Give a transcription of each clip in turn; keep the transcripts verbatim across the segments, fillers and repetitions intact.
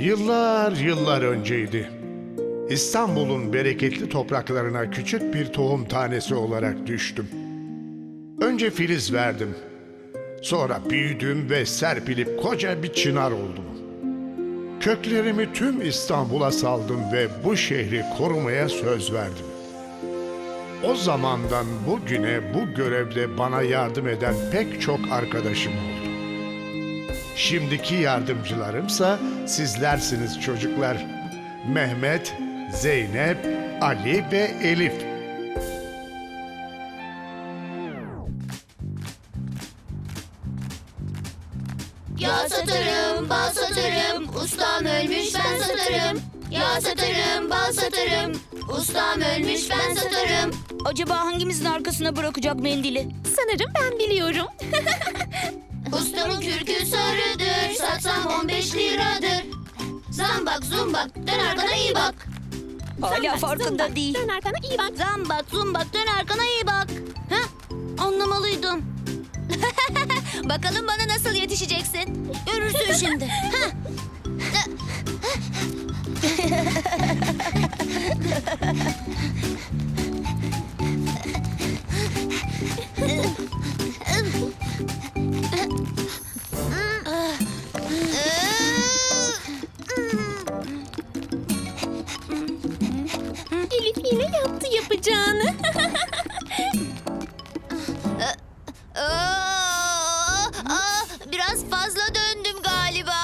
Yıllar yıllar önceydi. İstanbul'un bereketli topraklarına küçük bir tohum tanesi olarak düştüm. Önce filiz verdim. Sonra büyüdüm ve serpilip koca bir çınar oldum. Köklerimi tüm İstanbul'a saldım ve bu şehri korumaya söz verdim. O zamandan bugüne bu görevde bana yardım eden pek çok arkadaşım oldu. Şimdiki yardımcılarımsa sizlersiniz çocuklar. Mehmet, Zeynep, Ali ve Elif. Ya satarım, bal satarım, ustam ölmüş ben satarım. Ya satarım, bal satarım, ustam ölmüş ben satarım. Acaba hangimizin arkasına bırakacak mendili? Sanırım ben biliyorum. Ustamın kürkü sarıdır, satsam on beş liradır. Zambak zumbak, dön arkana iyi bak. Hala farkında Zımbak, değil. Dön arkana iyi bak. Zambak zumbak, dön arkana iyi bak. Heh, anlamalıydım. Bakalım bana nasıl yetişeceksin. Görürsün şimdi. Heh. Elif yine yaptı yapacağını. Aa, aa, biraz fazla döndüm galiba.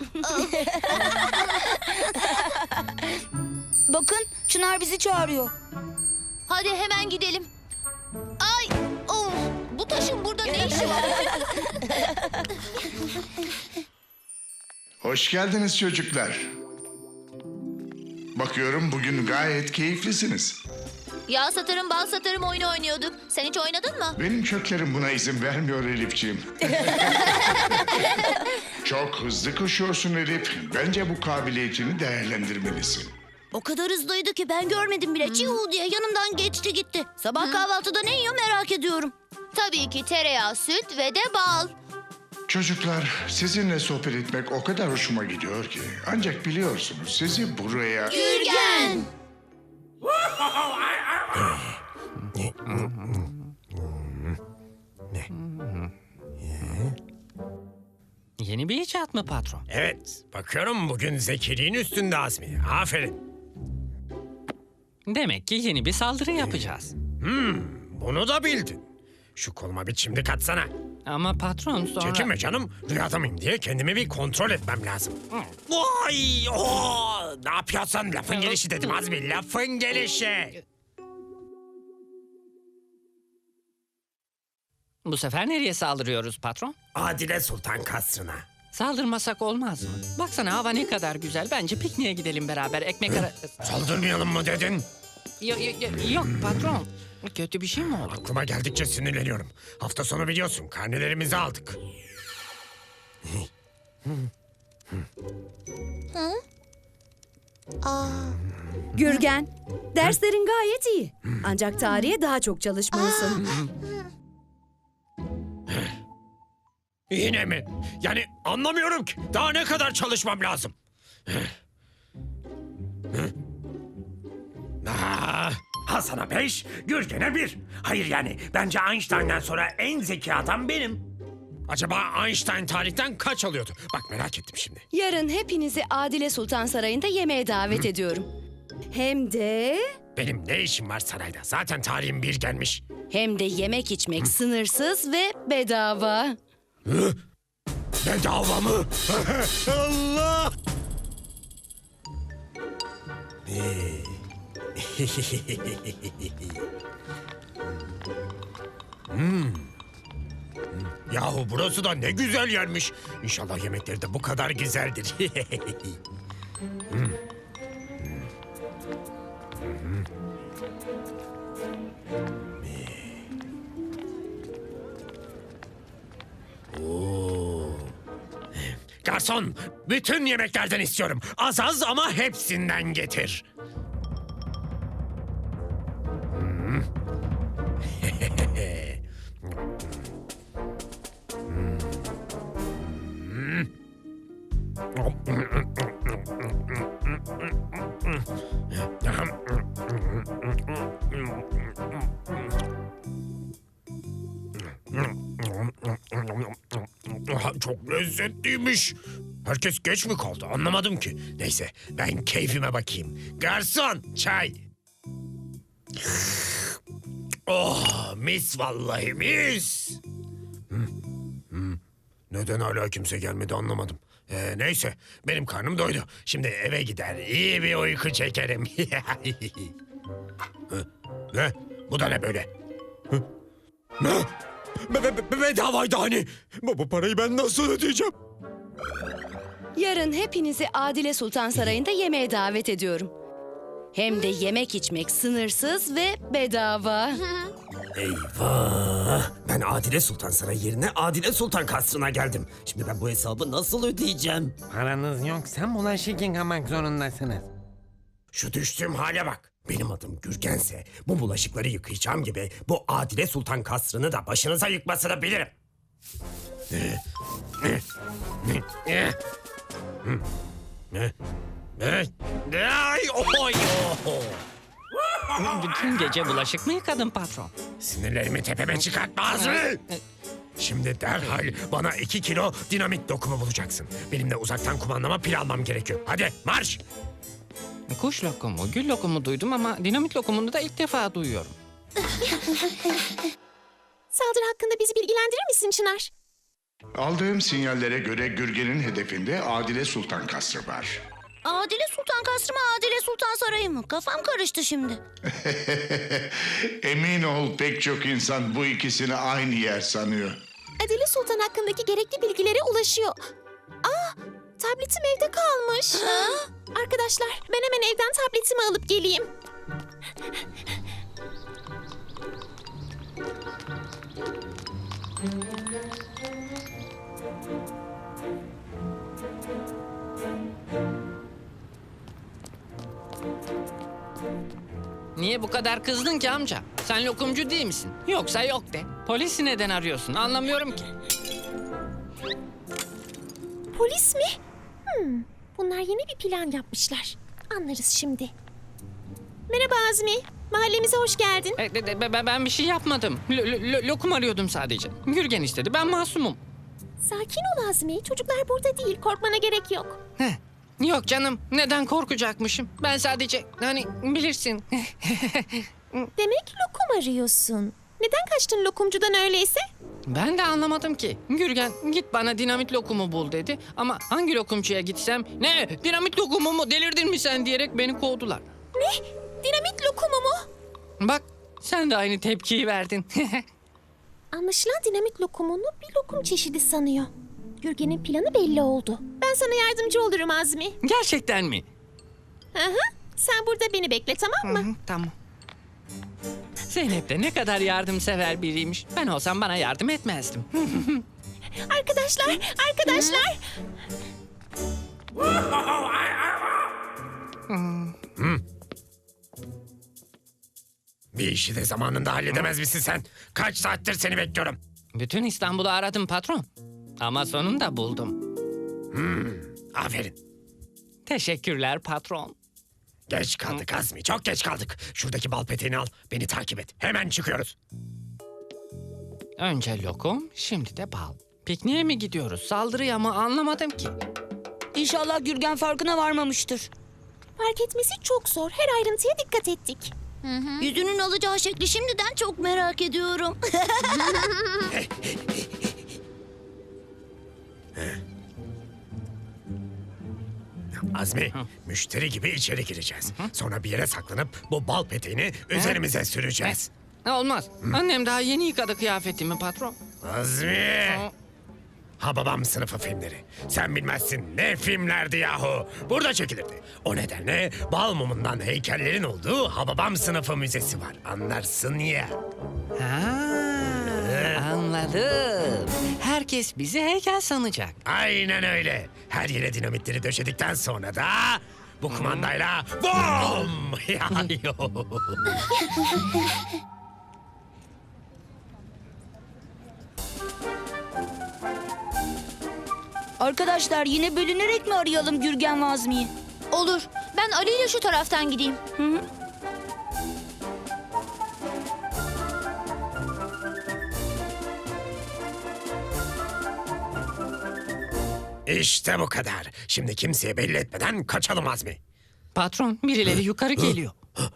Bakın Çınar bizi çağırıyor. Hadi hemen gidelim. Ay, of, bu taşın burada ne işi var? Hoş geldiniz çocuklar. Bakıyorum bugün gayet keyiflisiniz. Ya satarım bal satarım oyunu oynuyorduk. Sen hiç oynadın mı? Benim köklerim buna izin vermiyor Elifciğim. Çok hızlı koşuyorsun Elif. Bence bu kabiliyetini değerlendirmelisin. O kadar hızlıydı ki ben görmedim bile. Çiğ diye yanımdan geçti gitti. Sabah kahvaltıda ne yiyor merak ediyorum. Tabii ki tereyağı, süt ve de bal. Çocuklar, sizinle sohbet etmek o kadar hoşuma gidiyor ki. Ancak biliyorsunuz sizi buraya... Gürgen! Yeni bir icat mı patron? Evet, bakıyorum bugün zekiliğin üstünde Azmi. Aferin. Demek ki yeni bir saldırı yapacağız. Bunu da bildin. Şu koluma bir çimdik atsana. Ama patron sonra... Çekinme canım. Rüyada mıyım diye kendimi bir kontrol etmem lazım. Vay! Oo! Ne yapıyorsun? Lafın gelişi dedim Azmi. Lafın gelişi. Bu sefer nereye saldırıyoruz patron? Adile Sultan Kasrı'na. Saldırmasak olmaz mı? Baksana hava ne kadar güzel. Bence pikniğe gidelim beraber. Ekmek ara... Saldırmayalım mı dedin? Yo- yo- yo- yok patron. Kötü bir şey mi oldu? Aklıma geldikçe sinirleniyorum. Hafta sonu biliyorsun karnelerimizi aldık. Gürgen, derslerin gayet iyi. Ancak tarihe daha çok çalışmalısın. Yine mi? Yani anlamıyorum ki. Daha ne kadar çalışmam lazım? Aa, Hasan'a beş, Gürgen'e bir. Hayır yani bence Einstein'dan sonra en zeki adam benim. Acaba Einstein tarihten kaç alıyordu? Bak merak ettim şimdi. Yarın hepinizi Adile Sultan Sarayı'nda yemeğe davet ediyorum. Hem de... Benim ne işim var sarayda? Zaten tarihim bir gelmiş. Hem de yemek içmek sınırsız ve bedava. Bedava mı? Allah! Hmm. Yahu burası da ne güzel yermiş. İnşallah yemekleri de bu kadar güzeldir. Hmm. Oo. Garson, bütün yemeklerden istiyorum. Az az ama hepsinden getir. Hmm. Çok lezzetliymiş. Herkes geç mi kaldı anlamadım ki. Neyse ben keyfime bakayım. Garson çay. Oh mis vallahi mis. Hı, hı. Neden hala kimse gelmedi anlamadım. Ee, neyse benim karnım doydu. Şimdi eve gider iyi bir uyku çekerim. Hı, ne? Bu da ne böyle? Hı? Ne? Be be be bedavaydı hani. Bu, bu parayı ben nasıl ödeyeceğim? Yarın hepinizi Adile Sultan Sarayı'nda yemeğe davet ediyorum. Hem de yemek içmek sınırsız ve bedava. Eyvah! Ben Adile Sultan Sarayı yerine Adile Sultan Kasrı'na geldim. Şimdi ben bu hesabı nasıl ödeyeceğim? Paranız yoksa bulaşık yıkamak zorundasınız. Şu düştüğüm hale bak. Benim adım Gürgense bu bulaşıkları yıkayacağım gibi bu Adile Sultan Kasrı'nı da başınıza yıkmasını bilirim. Ne? Ne? Ay, oy, oh. Bütün gece bulaşık mı yıkadın patron? Sinirlerimi tepeme çıkartma Azmi! Şimdi derhal bana iki kilo dinamit dokumu bulacaksın. Benim de uzaktan kumandama pil almam gerekiyor. Hadi marş! Kuş lokumu, gül lokumu duydum ama dinamit lokumunu da ilk defa duyuyorum. Saldırı hakkında bizi bilgilendirir misin Çınar? Aldığım sinyallere göre Gürgen'in hedefinde Adile Sultan Kasrı var. Adile Sultan Kasrı mı Adile Sultan Sarayı mı? Kafam karıştı şimdi. Emin ol pek çok insan bu ikisini aynı yer sanıyor. Adile Sultan hakkındaki gerekli bilgilere ulaşıyor. Aa, tabletim evde kalmış. Arkadaşlar, ben hemen evden tabletimi alıp geleyim. Niye bu kadar kızdın ki amca? Sen lokumcu değil misin? Yoksa yok de. Polisi neden arıyorsun? Anlamıyorum ki. Polis mi? Hmm, bunlar yeni bir plan yapmışlar. Anlarız şimdi. Merhaba Azmi. Mahallemize hoş geldin. E, de- de- be- ben bir şey yapmadım. Lo- lo- lo- lokum arıyordum sadece. Gürgen istedi. Ben masumum. Sakin ol Azmi. Çocuklar burada değil. Korkmana gerek yok. Heh. Yok canım. Neden korkacakmışım? Ben sadece hani bilirsin. Demek lokum arıyorsun. Neden kaçtın lokumcudan öyleyse? Ben de anlamadım ki. Gürgen git bana dinamit lokumu bul dedi. Ama hangi lokumcuya gitsem ne dinamit lokumu mu delirdin mi sen diyerek beni kovdular. Ne? Dinamit lokumu mu? Bak sen de aynı tepkiyi verdin. Anlaşılan dinamit lokumunu bir lokum çeşidi sanıyor. Gürgen'in planı belli oldu. Ben sana yardımcı olurum Azmi. Gerçekten mi? Hı hı. Sen burada beni bekle, tamam mı? Hı, tamam. Zeynep de ne kadar yardımsever biriymiş. Ben olsam bana yardım etmezdim. Arkadaşlar, arkadaşlar. Bir işi de zamanında halledemez misin sen? Kaç saattir seni bekliyorum. Bütün İstanbul'u aradım patron. Ama sonunda buldum. Aferin. Teşekkürler patron. Geç kaldık Azmi, çok geç kaldık. Şuradaki bal peteğini al, beni takip et. Hemen çıkıyoruz. Önce lokum, şimdi de bal. Pikniğe mi gidiyoruz, saldırıya mı anlamadım ki. İnşallah Gürgen farkına varmamıştır. Fark etmesi çok zor. Her ayrıntıya dikkat ettik. Yüzünün alacağı şekli şimdiden çok merak ediyorum. Azmi, müşteri gibi içeri gireceğiz. Sonra bir yere saklanıp bu bal peteğini üzerimize süreceğiz. Olmaz. Annem daha yeni yıkadı kıyafetimi patron. Azmi! Ha babam sınıfı filmleri. Sen bilmezsin ne filmlerdi yahu. Burada çekilirdi. O nedenle bal mumundan heykellerin olduğu Hababam sınıfı müzesi var. Anlarsın ya. Ha, anladım. Herkes bizi heykel sanacak. Aynen öyle. Her yere dinamitleri döşedikten sonra da bu kumandayla bom! Arkadaşlar yine bölünerek mi arayalım Gürgen ve Azmi'yi? Olur. Ben Ali ile şu taraftan gideyim. İşte bu kadar. Şimdi kimseye belli etmeden kaçalım Azmi. Patron, birileri yukarı geliyor.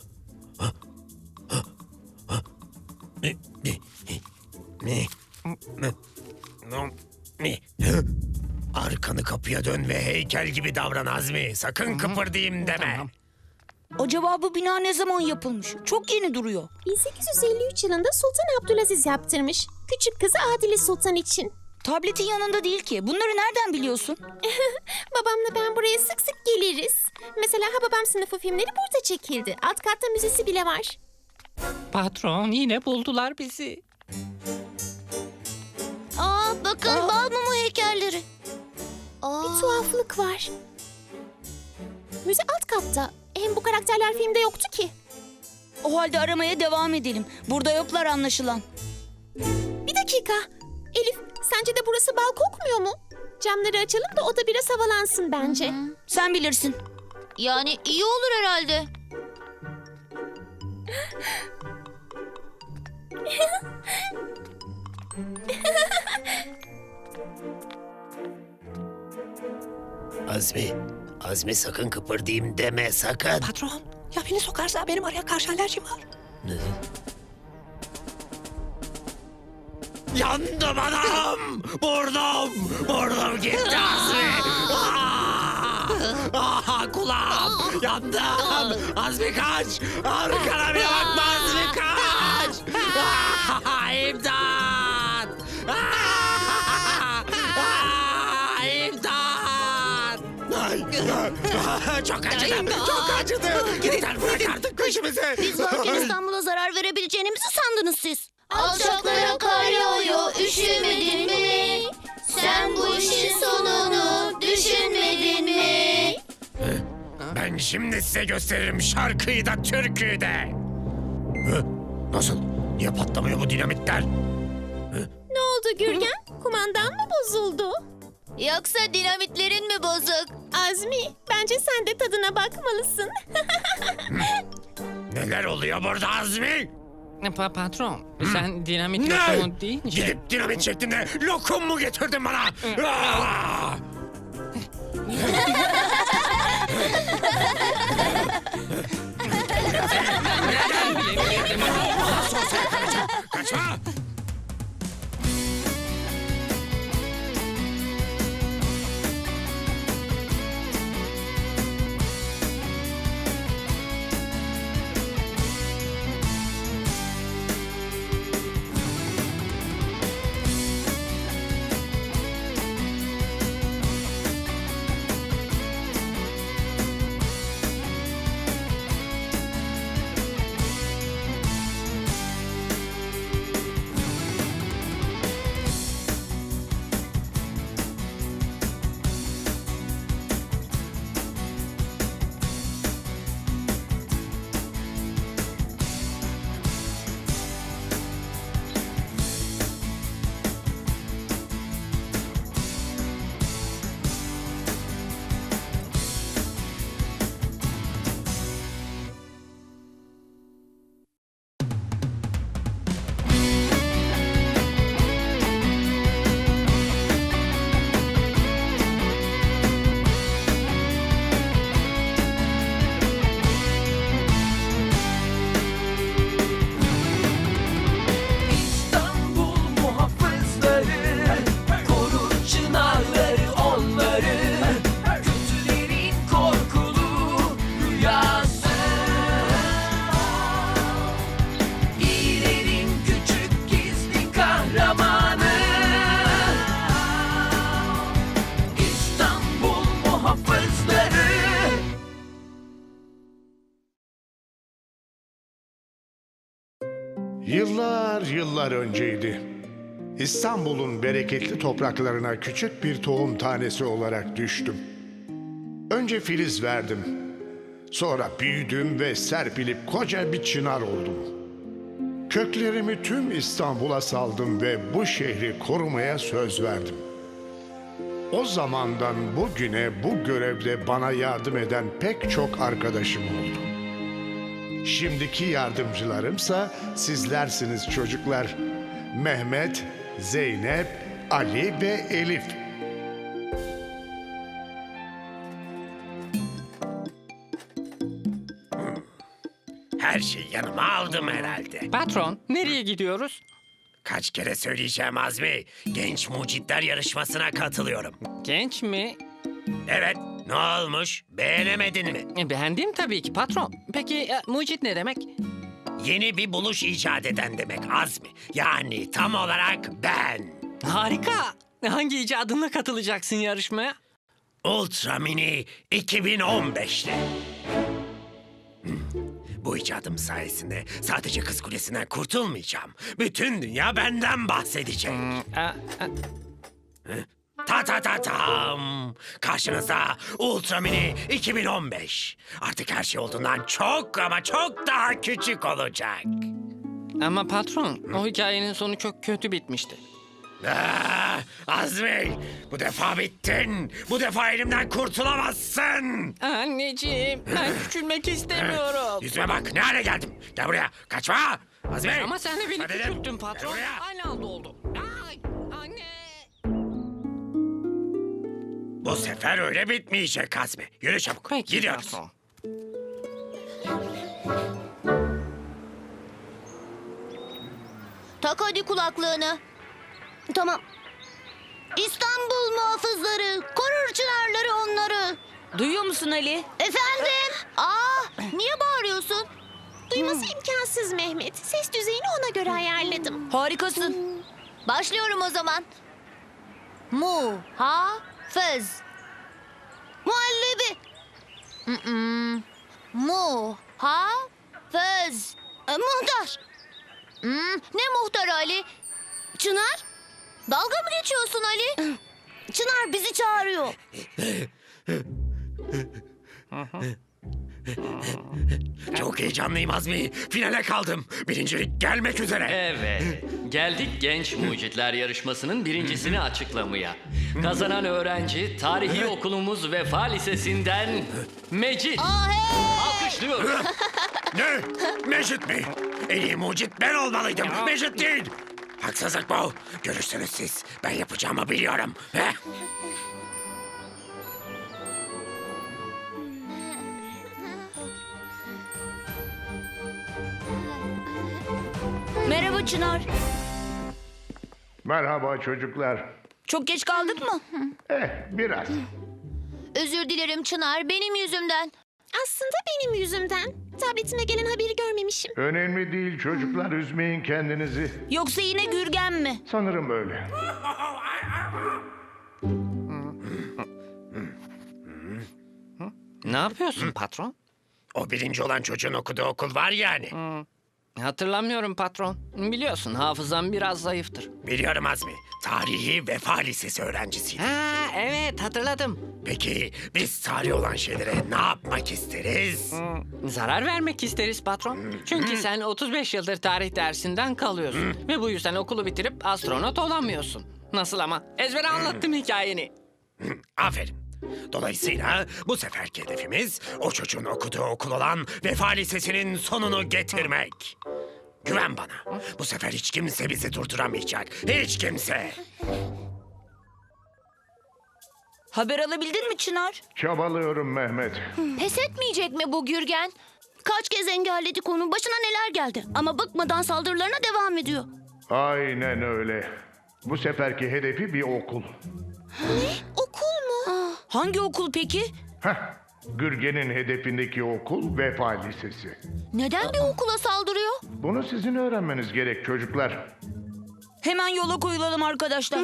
Mi, mi, mi, mi, mi, mi. Arkanı kapıya dön ve heykel gibi davran Azmi. Sakın kıpırdayım deme. Tamam. Acaba bu bina ne zaman yapılmış? Çok yeni duruyor. bin sekiz yüz elli üç yılında Sultan Abdülaziz yaptırmış. Küçük kızı Adile Sultan için. Tabletin yanında değil ki. Bunları nereden biliyorsun? Babamla ben buraya sık sık geliriz. Mesela Hababam sınıfı filmleri burada çekildi. Alt katta müzesi bile var. Patron, yine buldular bizi. Aa, bakın bal mumu heykelleri. Aa, Bir tuhaflık var. Müze alt katta. Hem bu karakterler filmde yoktu ki. O halde aramaya devam edelim. Burada yoklar anlaşılan. Bir dakika. Elif, sence de burası bal kokmuyor mu? Camları açalım da oda biraz havalansın bence. Sen bilirsin. yani iyi olur herhalde. Azmi, Azmi sakın kıpırdayım deme sakın. Patron, ya beni sokarsa benim araya karşı alerjim var. Yandım anam! Vurdum! Vurdum gitti Azmi! Ah! Ah, kulağım! Yandım! Azmi kaç! Arkana bir bakma Azmi kaç! Ah, İmdat! Ah! Ah, İmdat! Ay, ah, çok acıdı! Çok acıdı! Yeter bırak artık peşimizi! Biz varken İstanbul'a zarar verebileceğinizi sandınız siz. Alçaklara kar yağıyor, üşümedin mi? Sen bu işin sonunu düşünmedin mi? Ben şimdi size gösteririm şarkıyı da türküyü de. Hı? Nasıl? Niye patlamıyor bu dinamitler? Ne oldu Gürgen? Kumandan mı bozuldu? Yoksa dinamitlerin mi bozuk? Azmi, bence sen de tadına bakmalısın. Neler oluyor burada Azmi? Pa patron, sen dinamit Ne? lokumu deyince... Gidip dinamit şeklinde lokum mu getirdin bana? Ah! Kaçma! Yıllar yıllar önceydi. İstanbul'un bereketli topraklarına küçük bir tohum tanesi olarak düştüm. Önce filiz verdim. Sonra büyüdüm ve serpilip koca bir çınar oldum. Köklerimi tüm İstanbul'a saldım ve bu şehri korumaya söz verdim. O zamandan bugüne bu görevde bana yardım eden pek çok arkadaşım oldu. Şimdiki yardımcılarımsa sizlersiniz çocuklar. Mehmet, Zeynep, Ali ve Elif. Her şeyi yanıma aldım herhalde. Patron, nereye gidiyoruz? Kaç kere söyleyeceğim Azmi. Genç mucitler yarışmasına katılıyorum. Genç mi? Evet, ne olmuş? Beğenemedin mi? E, Beğendim tabii ki patron. Peki e, mucit ne demek? Yeni bir buluş icat eden demek Azmi. Yani tam olarak ben. Harika. Hangi icadınla katılacaksın yarışmaya? Ultra Mini iki bin on beş'te. Hmm. Bu icadım sayesinde sadece Kız Kulesi'nden kurtulmayacağım. Bütün dünya benden bahsedecek. E, e, Ta ta ta tam. Karşınızda Ultra Mini iki bin on beş. Artık her şey olduğundan çok ama çok daha küçük olacak. Ama patron, o hikayenin sonu çok kötü bitmişti. Ah, Azmi, bu defa bittin. Bu defa elimden kurtulamazsın. Anneciğim, ben küçülmek istemiyorum. Yüzüme bak, ne hale geldim. Gel buraya, kaçma. Azmi. Ama sen de beni Hadi dedim. küçülttün patron. Gel buraya. Aynı anda oldu. Ay, anne. Bu sefer öyle bitmeyecek Azmi. Yürü çabuk, Peki gidiyoruz. patron. Tak hadi kulaklığını. Tamam. İstanbul muhafızları, korur çınarları onları. Duyuyor musun Ali? Efendim? Aa, niye bağırıyorsun? Duyması imkansız Mehmet. Ses düzeyini ona göre ayarladım. Harikasın. Başlıyorum o zaman. Mu, ha, fız. Muhallebi. Mm-mm. Mu, ha, fız. E, muhtar. Hmm, ne muhtar Ali? Çınar? Dalga mı geçiyorsun Ali? Çınar bizi çağırıyor. Çok heyecanlıyım Azmi. Finale kaldım. Birincilik gelmek üzere. Evet, geldik Genç Mucitler Yarışması'nın birincisini açıklamaya. Kazanan öğrenci tarihi okulumuz Vefa Lisesi'nden Mecit. Aa, hey! Alkışlıyoruz. Ne? Mecit mi? En iyi mucit ben olmalıydım. Mecit değil. Haksızlık bu. Görürsünüz siz. Ben yapacağımı biliyorum. Heh. Merhaba Çınar. Merhaba çocuklar. Çok geç kaldık mı? Eh, biraz. Özür dilerim Çınar, benim yüzümden. Aslında benim yüzümden. Tabletime gelen haberi görmemişim. Önemli değil çocuklar, üzmeyin kendinizi. Yoksa yine Gürgen mi? Sanırım öyle. Ne yapıyorsun patron? O birinci olan çocuğun okuduğu okul var yani. Hatırlamıyorum patron. Biliyorsun hafızam biraz zayıftır. Biliyorum Azmi. Tarihi Vefa Lisesi öğrencisiyim. Ha evet hatırladım. Peki biz tarih olan şeylere ne yapmak isteriz? Zarar vermek isteriz patron. Çünkü sen otuz beş yıldır tarih dersinden kalıyorsun. Ve bu yüzden okulu bitirip astronot olamıyorsun. Nasıl ama? Ezbere anlattım hikayeni. Aferin. Dolayısıyla bu seferki hedefimiz o çocuğun okuduğu okul olan Vefa Lisesi'nin sonunu getirmek. Güven bana. Bu sefer hiç kimse bizi durduramayacak. Hiç kimse. Haber alabildin mi Çınar? Çabalıyorum Mehmet. Pes etmeyecek mi bu Gürgen? Kaç kez engelledik onu, başına neler geldi. Ama bıkmadan saldırılarına devam ediyor. Aynen öyle. Bu seferki hedefi bir okul. Okul mu? Hangi okul peki? Heh, Gürgen'in hedefindeki okul Vefa Lisesi. Neden bir okula saldırıyor? Bunu sizin öğrenmeniz gerek çocuklar. Hemen yola koyulalım arkadaşlar.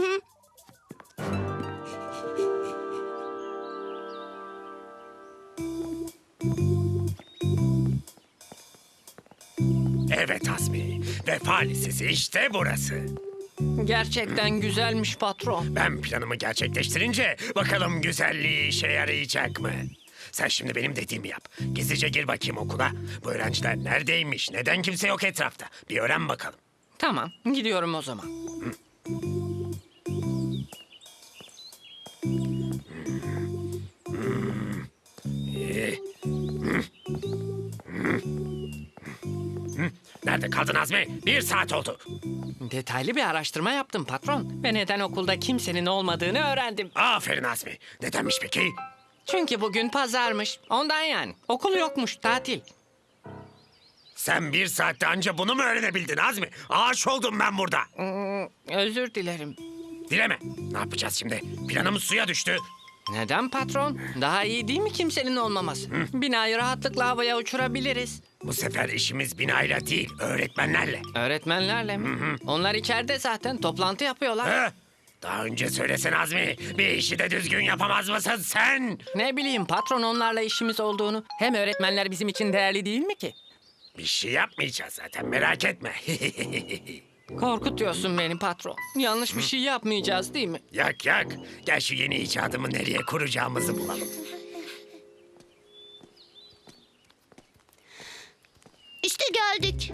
Evet Azmi. Vefa Lisesi işte burası. Gerçekten güzelmiş patron. Ben planımı gerçekleştirince bakalım güzelliği işe yarayacak mı? Sen şimdi benim dediğimi yap. Gizlice gir bakayım okula. Bu öğrenciler neredeymiş? Neden kimse yok etrafta? Bir öğren bakalım. Tamam gidiyorum o zaman. kaldın Azmi? Bir saat oldu. Detaylı bir araştırma yaptım patron. Ve neden okulda kimsenin olmadığını öğrendim. Aferin Azmi. Nedenmiş peki? Çünkü bugün pazarmış. Ondan yani. Okul yokmuş, tatil. Sen bir saatte anca bunu mu öğrenebildin Azmi? Ağaç oldum ben burada. Özür dilerim. Dileme. Ne yapacağız şimdi? Planımız suya düştü. Neden patron? Daha iyi değil mi kimsenin olmaması? Binayı rahatlıkla havaya uçurabiliriz. Bu sefer işimiz binayla değil, öğretmenlerle. Öğretmenlerle mi? Onlar içeride zaten toplantı yapıyorlar. Ha? Daha önce söylesene Azmi. Bir işi de düzgün yapamaz mısın sen? Ne bileyim patron, onlarla işimiz olduğunu. Hem öğretmenler bizim için değerli değil mi ki? Bir şey yapmayacağız zaten, merak etme. Korkutuyorsun beni patron. Yanlış bir şey yapmayacağız değil mi? Yak yak. Gel şu yeni icadımı nereye kuracağımızı bulalım. İşte geldik.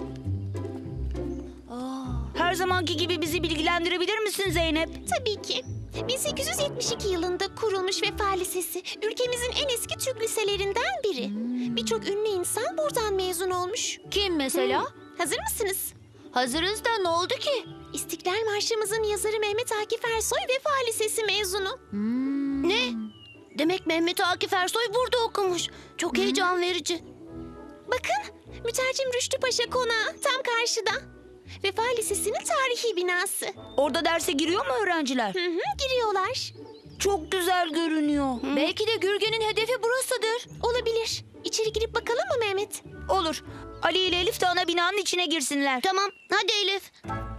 Her zamanki gibi bizi bilgilendirebilir misin Zeynep? Tabii ki. bin sekiz yüz yetmiş iki yılında kurulmuş Vefa Lisesi, ülkemizin en eski Türk liselerinden biri. Birçok ünlü insan buradan mezun olmuş. Kim mesela? Hazır mısınız? Hazırız da ne oldu ki? İstiklal Marşımızın yazarı Mehmet Akif Ersoy Vefa Lisesi mezunu. Ne? Demek Mehmet Akif Ersoy burada okumuş. Çok heyecan verici. Bakın, mütercim Rüştü Paşa Konağı tam karşıda. Vefa Lisesi'nin tarihi binası. Orada derse giriyor mu öğrenciler? Hı hı, giriyorlar. Çok güzel görünüyor. Belki de Gürgen'in hedefi burasıdır. Olabilir. İçeri girip bakalım mı Mehmet? Olur. Ali ile Elif de ana binanın içine girsinler. Tamam, hadi Elif.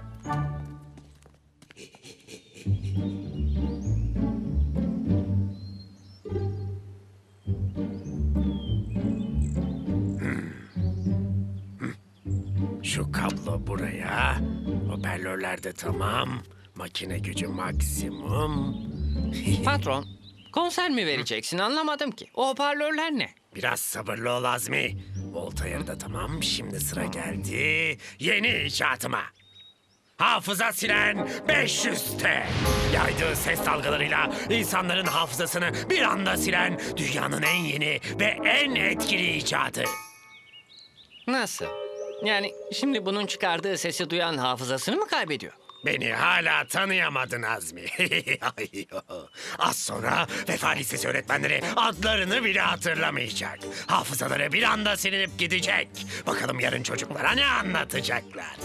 Şu kablo buraya. Hoparlörler de tamam. Makine gücü maksimum. Patron, konser mi vereceksin anlamadım ki. O hoparlörler ne? Biraz sabırlı ol Azmi. Volta yarıda tamam. Şimdi sıra geldi yeni icatıma. Hafıza silen beş yüz T. Yaydığı ses dalgalarıyla insanların hafızasını bir anda silen dünyanın en yeni ve en etkili icadı. Nasıl? Yani şimdi bunun çıkardığı sesi duyan hafızasını mı kaybediyor? Beni hala tanıyamadın Azmi. Az sonra Vefa Lisesi öğretmenleri adlarını bile hatırlamayacak. Hafızaları bir anda silinip gidecek. Bakalım yarın çocuklara ne anlatacaklar.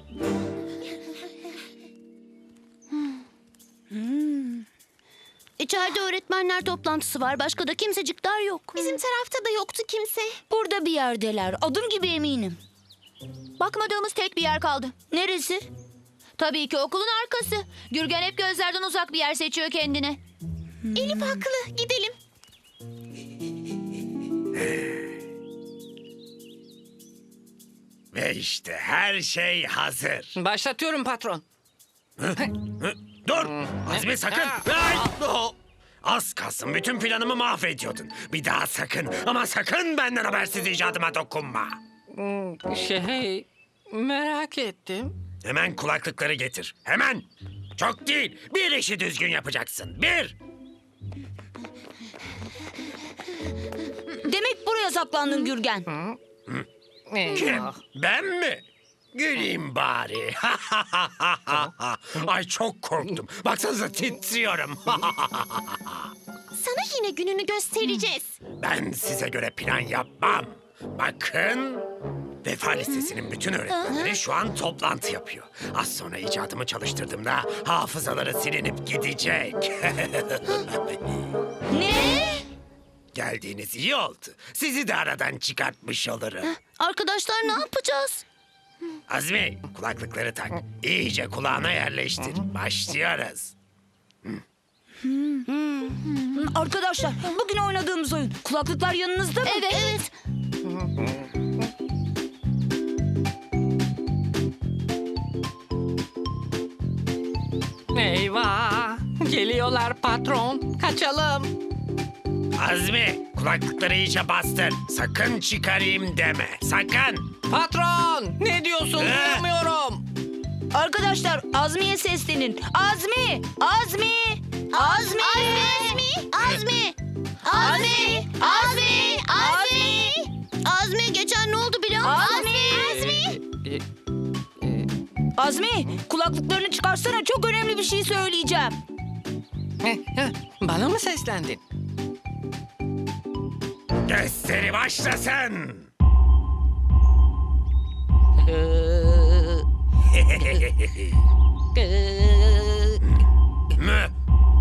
İçeride öğretmenler toplantısı var. Başka da kimsecikler yok. Bizim tarafta da yoktu kimse. Burada bir yerdeler. Adım gibi eminim. Bakmadığımız tek bir yer kaldı. Neresi? Tabii ki okulun arkası. Gürgen hep gözlerden uzak bir yer seçiyor kendine. Elif haklı. Gidelim. Ve işte her şey hazır. Başlatıyorum patron. Hı? Dur! Azmi sakın! Ay! Oh! Az kalsın bütün planımı mahvediyordun. Bir daha sakın ama sakın benden habersiz icadıma dokunma. Şey, merak ettim. Hemen kulaklıkları getir. Hemen! Çok değil. Bir işi düzgün yapacaksın. Bir! Demek buraya saklandın Gürgen. Kim? Eyvah. Ben mi? Güleyim bari. Ay çok korktum. Baksanıza titriyorum. Sana yine gününü göstereceğiz. Ben size göre plan yapmam. Bakın. Vefa Lisesi'nin bütün öğretmenleri şu an toplantı yapıyor. Az sonra icadımı çalıştırdığımda hafızaları silinip gidecek. Ne? Geldiğiniz iyi oldu. Sizi de aradan çıkartmış olurum. Arkadaşlar ne yapacağız? Azmi, kulaklıkları tak. İyice kulağına yerleştir. Başlıyoruz. Arkadaşlar bugün oynadığımız oyun. Kulaklıklar yanınızda mı? Evet. Evet. Eyvah! Geliyorlar patron. Kaçalım. Azmi, kulaklıkları iyice bastır. Sakın çıkarayım deme. Sakın. Patron! Ne diyorsun? Ee? Duyamıyorum. Arkadaşlar Azmi'ye seslenin. Azmi! Azmi! Azmi! Azmi! Azmi! Azmi! Azmi! Azmi! Azmi! Geçen ne oldu biliyor musun? Azmi! Azmi! E, Azmi, kulaklıklarını çıkarsana, çok önemli bir şey söyleyeceğim. Heh, heh, Bana mı seslendin? Gösteri başlasın. Mü?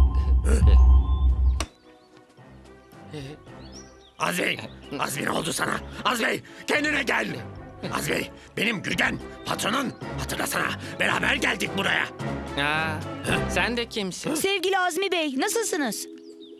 Azmi, Azmi ne oldu sana? Azmi, kendine gel. Azmi, benim Gürgen, patronun. Hatırlasana, beraber geldik buraya. Aa, sen de kimsin? Sevgili Azmi Bey, nasılsınız?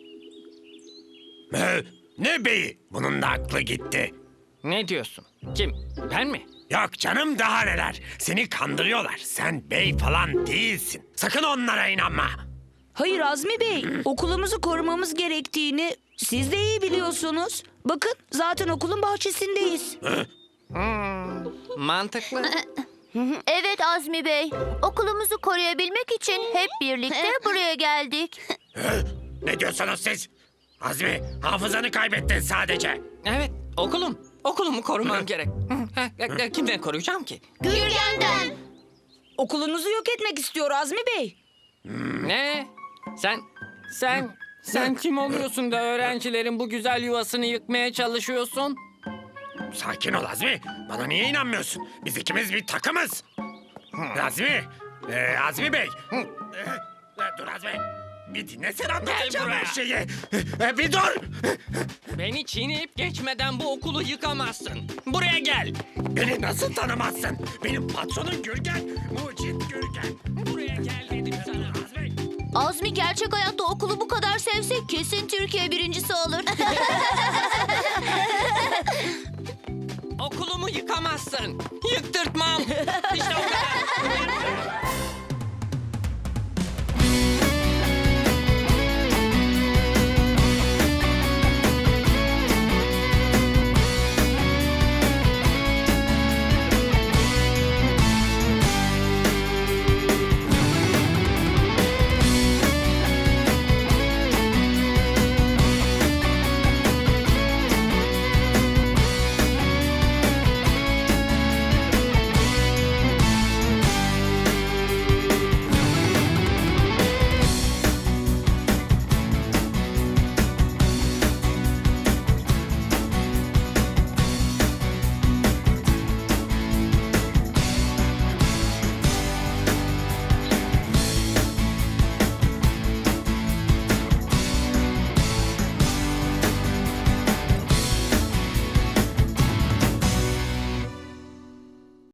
Mü? Ne beyi? Bunun da aklı gitti. Ne diyorsun? Kim? Ben mi? Yok canım, daha neler. Seni kandırıyorlar. Sen bey falan değilsin. Sakın onlara inanma. Hayır Azmi Bey, okulumuzu korumamız gerektiğini siz de iyi biliyorsunuz. Bakın, zaten okulun bahçesindeyiz. Mantıklı. Evet Azmi Bey. Okulumuzu koruyabilmek için hep birlikte buraya geldik. Ne diyorsunuz siz? Azmi, hafızanı kaybettin sadece. Evet, okulum. Okulumu korumam gerek. Hı, heh, heh, Kimden koruyacağım ki? Gürgen'den. Okulunuzu yok etmek istiyor Azmi Bey. Ne? Sen, sen, sen kim oluyorsun da öğrencilerin bu güzel yuvasını yıkmaya çalışıyorsun? Sakin ol Azmi. Bana niye inanmıyorsun? Biz ikimiz bir takımız. Azmi, ee, Azmi Bey. Ee, dur Azmi. Bir dinlesene, anlatacağım her şeyi. Ee, bir dur. Beni çiğneyip geçmeden bu okulu yıkamazsın. Buraya gel. Beni nasıl tanımazsın? Benim patronum Gürgen, Mucit Gürgen. Buraya gel dedim sana. Azmi. Azmi gerçek hayatta okulu bu kadar sevse kesin Türkiye birincisi olur.